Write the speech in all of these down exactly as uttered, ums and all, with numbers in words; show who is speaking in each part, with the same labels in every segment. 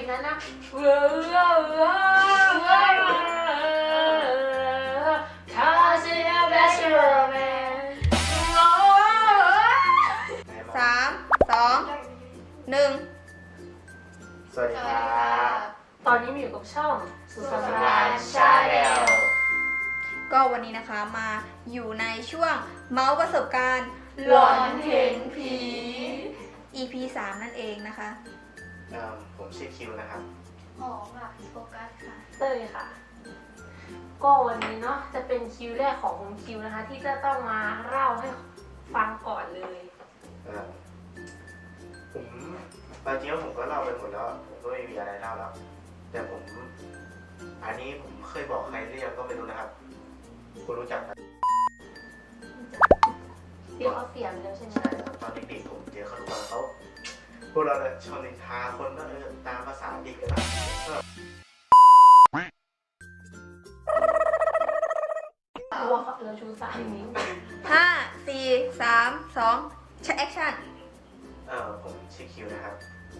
Speaker 1: นั้นนะเว้อเว้อเว้อเว้อข้าจะเอาแบบเชื่อแม่
Speaker 2: สามสองหนึ่ง
Speaker 3: สวัสดีครับ
Speaker 1: ตอนนี้มาอยู่กับช่องสุสาน
Speaker 3: ชาแนล
Speaker 2: ก็วันนี้นะคะมาอยู่ในช่วงเมาส์ประสบการณ์
Speaker 1: หลอนเห็นผี
Speaker 2: อี พี สามนั่นเองนะคะ
Speaker 3: เอ่อผมชื่อคิวนะครับ
Speaker 4: หอมค่ะโฟกัสค่ะ
Speaker 1: เต้ยค่ะ ก็วันนี้เนาะจะเป็นคิวแรกของคุณคิวนะคะ ที่จะต้องมาเล่าให้ฟังก่อนเลย
Speaker 3: เอ่อผมตอนจริงๆผมก็เล่าไปหมดแล้ว ผมก็ไม่มีอะไรเล่าแล้ว แต่ผม อันนี้ผมเคยบอกใครหรือยังก็ไม่รู้นะครับ คุณรู้จักไหม
Speaker 1: ที่เขาเสียมแล้วใช่ไหม
Speaker 3: ใช่ครับตอนเด็กๆผมเจอเขาทุกวันเขาพวกเราเนี่ยชอบนินทาคนว่าเออตามภาษาเด็กกันนะก็
Speaker 1: ตัวเขาเราชูสามนิ้ว
Speaker 2: ห้า สี่ สาม สองใช้แอคชั่น
Speaker 3: เออผมชื่อคิวนะครับ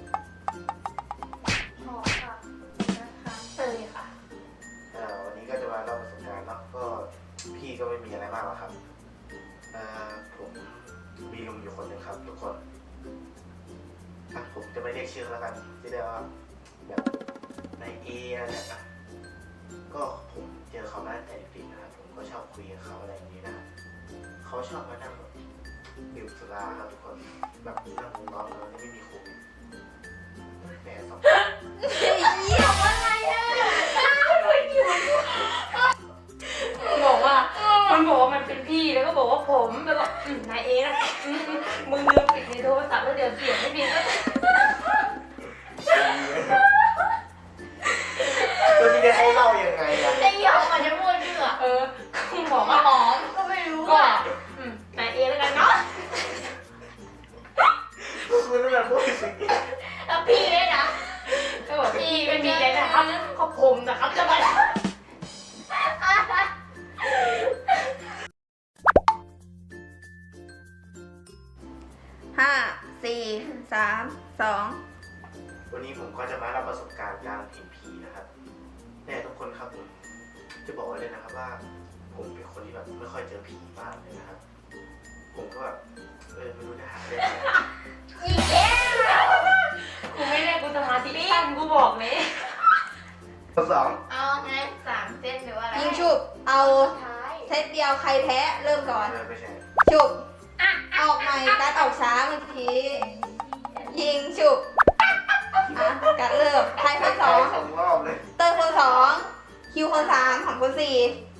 Speaker 4: หอมค่ะนะคะ
Speaker 1: เต้ยค่ะ
Speaker 3: เอ่อวันนี้ก็จะมาเล่าประสบการณ์เนาะก็พี่ก็ไม่มีอะไรมากหรอกครับเอ่อผมมีลุงอยู่คนหนึ่งครับทุกคนอ่ะผมจะไม่เรียกชื่อแล้วกันที่เรียกว่าแบบในเออะไรเนี่ยนะก็ผมเจอเขามาตั้งแต่เด็กๆนะครับผมก็ชอบคุยกับเขาอะไรอย่างนี้นะครับเขาชอบมานั่งแบบดื่มสุราครับทุกคนแบบนั่งวงล้อมกันไม่มีโควิดแหมสอง
Speaker 1: บอกว่ามันบอกว่ามันเป็นพี่แล้วก็บอกว่าผมแล้วก็อืมนายเองนะอืมมึงลืมปิดในโทรศัพท์แล้วเดี๋ยวเสียงไม่ดีก็
Speaker 3: ตัวนี้จะให้เล่ายังไงอะ
Speaker 4: ไอ้หยองมันจะพูดชื่อ
Speaker 1: เออคุณบอกว่า
Speaker 4: หอมก็ไม่รู้
Speaker 1: ก็
Speaker 4: อ่ะ
Speaker 1: อืมนายเองแล้วกันเนาะ
Speaker 3: คุณต้องแบบพูดสิ่งนี้
Speaker 4: แล้วพี่ด้วยนะ
Speaker 1: ก็บอกพี่เป็นมีอะไรนะครับเขาผมนะครับจะมา
Speaker 2: ห้า สี่ สาม สอง
Speaker 3: วันนี้ผมก็จะมาเล่าประสบการณ์การเห็นผีนะครับแต่ทุกคนครับผมจะบอกไว้เลยนะครับว่า ผมเป็นคนที่แบบไม่ค่อยเจอผีมากเลยนะครับ ผมก็แบบเออไม่รู้จะหาเรื่องอะไร
Speaker 4: อีกแล้ว
Speaker 1: กูไม่ได้กูสมาธิสั้นกูบอกเลย
Speaker 3: ข้อสอง
Speaker 4: เอาไงสามเส้นหรือว่าอะไร
Speaker 2: ยิงฉุบเอา
Speaker 4: ท้าย
Speaker 2: เซตเดียวใครแพ้เริ่มก่อน
Speaker 3: เออไม่ใช่
Speaker 2: ฉุบออกใหม่การดออกช้าเมื่อกี้ยิงฉุบอ่ะการดเริ่มใครคนสอง
Speaker 3: สองรอบเลย
Speaker 2: เตอร์คนสองคิวคนสามของคนสี่